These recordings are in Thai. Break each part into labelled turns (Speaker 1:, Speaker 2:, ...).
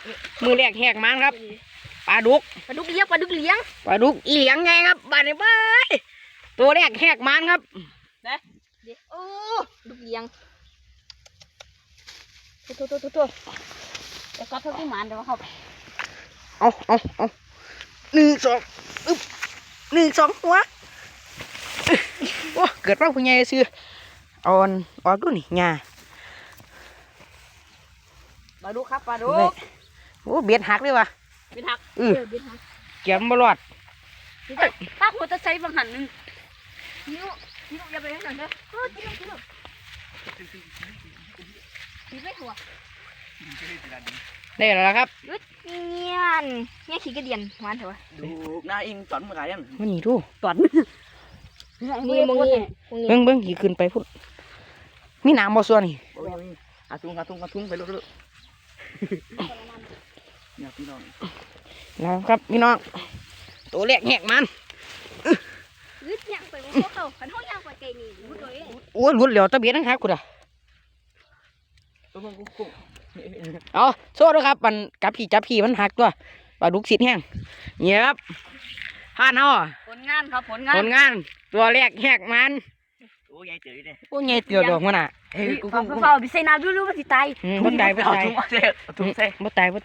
Speaker 1: มือแรกแหกมันครับปลาดุก
Speaker 2: เลี้ยงปลาดุกเลี้ยง
Speaker 1: อีเหลียงไงครับบาดนี้เบ้ยตัวแรกแหกมันครับ
Speaker 2: นะโอ้ดุกเลี้ยงโทแต่ก็เท่าที่มันเดี๋ยวครับ
Speaker 1: เอา1 2อึ๊บ1 2หัวโอ้เกิดว่าผู้ใหญ่ซื้อเอาออกดูนี่หญ้า
Speaker 2: ปลาดุกครับปลาดุก
Speaker 1: โอ้เบ็ดหักเลยวะ
Speaker 2: เบ็ดหักเบ็ดหัก
Speaker 1: เกี่ยมบลอด
Speaker 2: ถ้าหัวตะไซบางหันนึงนิ้วอย่าไปให้หน่อยเด้อกินไม่หัว
Speaker 1: ได้แล้วครับ
Speaker 2: เงี้ยขี้กระเดียนมันเถอะ
Speaker 3: ดูหน้าอิงตอนเมื่อไหร่ยัง
Speaker 1: มันนี่ดู
Speaker 2: ตอนนี่มึงนี่
Speaker 1: เบิ้งขี่ขึ้นไปพุ่นมีน้ำบ่ส่วนนี่
Speaker 3: อาทุ่งไปลุกเนี่ยพี่น้อง
Speaker 1: แล้วครับพี่น้องตัวแรกแหกมัน
Speaker 2: ย่างไปมันเขาขันห้องย่างไปไกลนี่รุดเลย
Speaker 1: โอ้ยรุดเหลียวตะเบียนั่งหักกูด่ะเอาโซ่ด้วยครับมันจับพี่มันหักตัวปลาดุกสิทธิ์แห้งเนี่ยครับผ่านเอา
Speaker 2: ผลงานครับผลงาน
Speaker 1: ตัวแรกแหกมัน
Speaker 3: โอ้ยายเจอเลย
Speaker 1: โอ้ยายเตือดอกมันอ่ะ
Speaker 2: เฝ้าดิใส่น้ำดูมันสิตาย
Speaker 1: บ่ตายบ่ตาย
Speaker 3: ทุ่งเซ่
Speaker 1: บ่ตาย
Speaker 3: ทุ่ง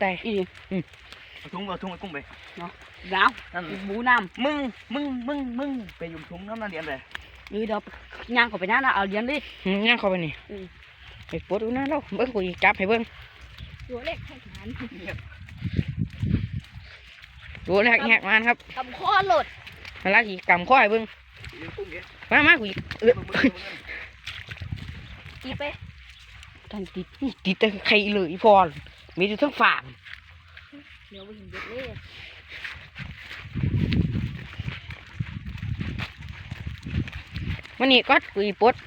Speaker 3: กุ้งไป
Speaker 2: เนาะแล้วบูน้
Speaker 3: ำมึงไปยุ่มทุ่งน้ำนั่นเดียนเลย
Speaker 2: เดี๋ยวย่างเข้าไปนั่นนะเอาเลี้ยงดิ
Speaker 1: ย่างเข้าไปนี่ไปปวดดูนะเราเบิ้งกูจับให้เบิ้ง
Speaker 2: ตัวเล็กแหกมัน
Speaker 1: ตัวแรกแหกมันครับ
Speaker 2: กำข้อหลด
Speaker 1: แล้วอีกกำข้อให้เบิ้งมากู
Speaker 2: ตีไป
Speaker 1: ทันติดแต่ใครเลยพอมีอยู่ทั้งฝา
Speaker 2: เดี๋ยวไปเห็นเด็กเลย
Speaker 1: มันนี่ก็กูปวด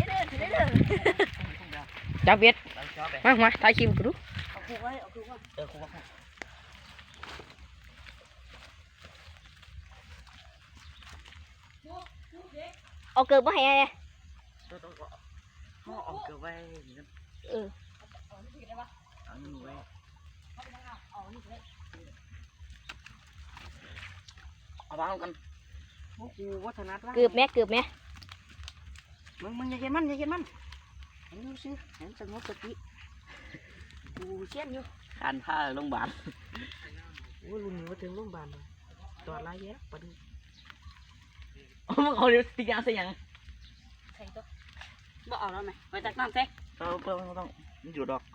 Speaker 1: จับเบ็ดมาถ่ายคลิปกูดู
Speaker 2: เอาเกิดมาให้ไง
Speaker 3: เอาเกลือไว้เอาวางกันโอ้โหวัฒนธรรม
Speaker 2: เกือบไหม
Speaker 3: มึงอย่าเห็นมันเห็นดูสิเห็นสงบสติ
Speaker 2: กูเชี่ยนอยู่
Speaker 3: ขันท่าโรงพยาบาล
Speaker 1: โอ้ลุงนี่ว่าถึงโรงพยาบาลตอดไรแย่ปะดู
Speaker 3: มึงเอาเดี๋ยวติดยาใส่ยัง
Speaker 2: ใส่ตัวบ่เอาแล้วไหมไปตักน้ำใส่
Speaker 3: ไม่ต้องมันอยู่ดอก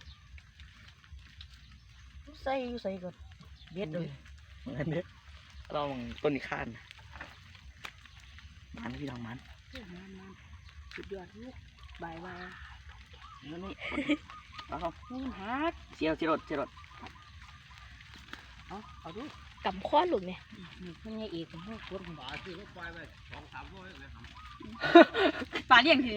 Speaker 1: ใส่ก่อนเบ็ดเลย
Speaker 3: เบ็ดเราต้นอีกข้านมันพี่น้องมัน
Speaker 2: สุดยอดลูกบาย
Speaker 3: นี่เอาเชียว
Speaker 2: เอาดูกำข้อหลุดเนี่ยมันยังอีกมันปวดหัวปลาเลี้ยงที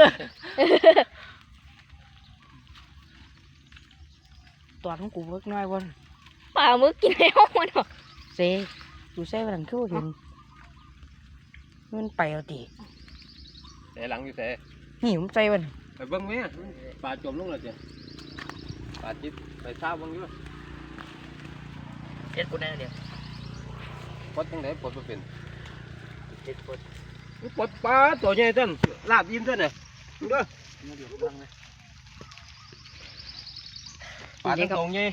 Speaker 1: ตัวของกูเวิร์กน้อยวัน
Speaker 2: ปลาเมื่อกินในห้องมันหรอ
Speaker 1: เซ่ดูเซ่วันนั้นคือเห็นมันไปเอาตี
Speaker 4: แต่หลังอยู่แต่
Speaker 1: นี่ผมใจวัน
Speaker 4: ไปเบิ้งไหมปลาจมลงแล้วจ้ะปลาจิ๊บไปเช้าเบิ้งอยู่
Speaker 3: เจ็ดคนได้เดียว
Speaker 4: ปลดตั้งแต่ปลดมาเป็น
Speaker 3: เจ็ดคน
Speaker 4: ปลดปลาตัวใหญ่ท่านลาบยิ้มท่านเนี่ยดูปลาตัวใหญ่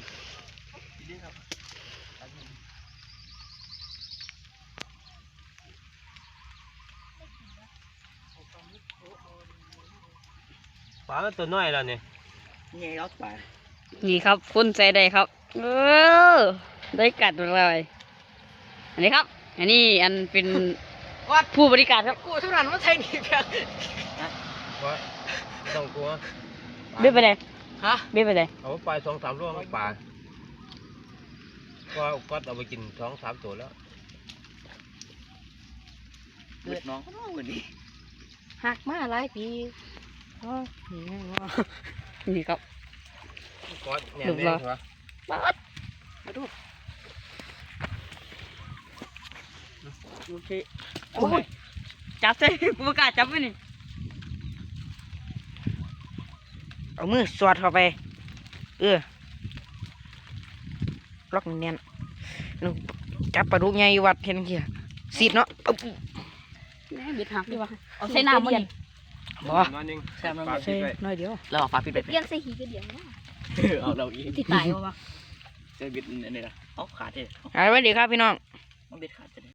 Speaker 4: ปลาตัวน้อยแล้วเนี่ย
Speaker 3: นี่รถปลา
Speaker 2: นี่ครับคุณใจได้ครับได้กัดเลยอันนี้ครับอันนี้อันเป็นผู้บริการครับ
Speaker 1: กูทุกนั้นว่าไทยนี่เพียง
Speaker 4: ว่าต้องกลัว
Speaker 2: เบี้ยไปไหนเบี้ยไปไหน
Speaker 4: เอาไป2-3 ตัวปลาก็เอาไปกิน2-3 ตัวแล้ว
Speaker 3: เลือดน้องเหมือนนี้
Speaker 1: หักมาหลายปี
Speaker 2: นี่ครับ
Speaker 4: ก็เนี่ยนี่เหรอ
Speaker 2: มาดูโอเคโอ้ยจับใส่กูกล้าจับไว้นี่
Speaker 1: เอามือสอดเข้าไปล็อกแน่นๆจับปลาดุกใหญ่อยู่วัดเห็นเหี้ยสีดเนาะอึ๊บ
Speaker 2: แม่เบ็ดหักดีวะเอาใส่น้ำมันนี่
Speaker 1: บ่
Speaker 4: มาหนึ่ง
Speaker 3: แซ่บน้ำ
Speaker 4: ปลา
Speaker 1: ใช่
Speaker 4: ปิดไป
Speaker 1: น้อยเดียว
Speaker 3: เราเอาฝาปิดไป
Speaker 2: เปลี่ยนใส่หีก็เดียวนะ
Speaker 3: เอาเราอีก
Speaker 2: ที่ตายวะ
Speaker 3: เจอบิดนี่นะเอาขาดเลย
Speaker 1: สวัสดีครับพี่น้อง
Speaker 3: ต้องบิดขาดจะ